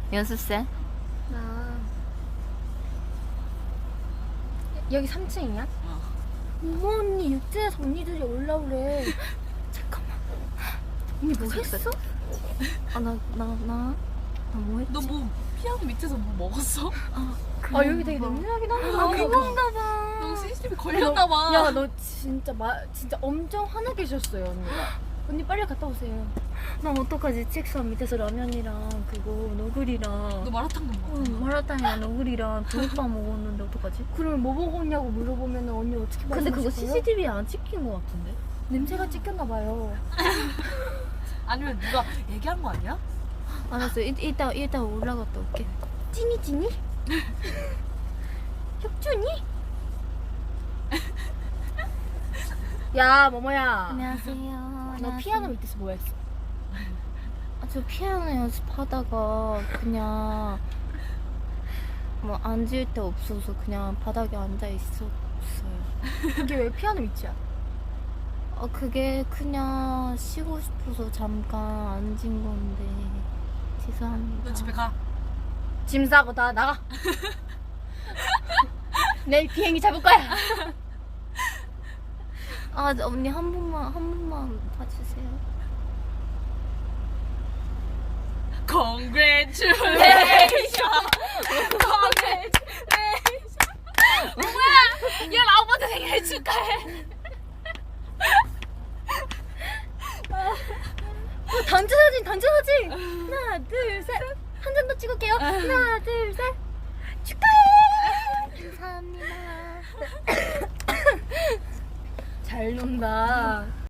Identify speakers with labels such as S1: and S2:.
S1: 연습생?
S2: 나 여기 3층이야? 이모 언니 육지에서 언니들이 올라오래.
S1: 잠깐만.
S2: 언니 뭐 했어?
S1: 나 뭐 했지?
S3: 너 뭐 피아노 밑에서 뭐 먹었어?
S2: 아 여기 되게 냄새나긴 하다.
S3: 아,
S1: 그건가 봐.
S3: 너 CCTV 걸렸나봐.
S2: 야 너 진짜 엄청 화나게 계셨어요 언니가. 언니 빨리 갔다 오세요.
S1: 나 어떡하지? 책상 밑에서 라면이랑 그거 너구리랑
S3: 너 마라탕 먹었어?
S1: 마라탕이랑 너구리랑 붕어빵 먹었는데 어떡하지?
S2: 그러면 뭐 먹었냐고 물어보면 언니 어떻게
S1: 근데 그거
S2: 말씀하실 거예요?
S1: CCTV에 안 찍힌 것 같은데?
S2: 냄새가 찍혔나 봐요.
S3: 아니면 누가 얘기한 거 아니야?
S1: 알았어. 이따 올라갔다 올게.
S2: 찐이? 혁준이? 야 모모야.
S1: 안녕하세요.
S2: 너 피아노 밑에서 뭐 했어?
S1: 저 피아노 연습하다가 그냥 뭐 앉을 데 없어서 그냥 바닥에 앉아 있었어요.
S2: 그게 왜 피아노 밑이야?
S1: 그게 그냥 쉬고 싶어서 잠깐 앉은 건데 죄송합니다.
S3: 너 집에 가.
S2: 짐 싸고 다 나가. 내일 비행기 잡을 거야.
S1: 언니 한 번만 봐주세요.
S3: Congratulations.
S2: 야 라오빠한테 생일 축하해. 단체 사진. 하나 둘 셋. 한 잔 더 찍을게요. 하나 둘 셋. 축하해.
S1: 감사합니다.
S2: 잘 논다.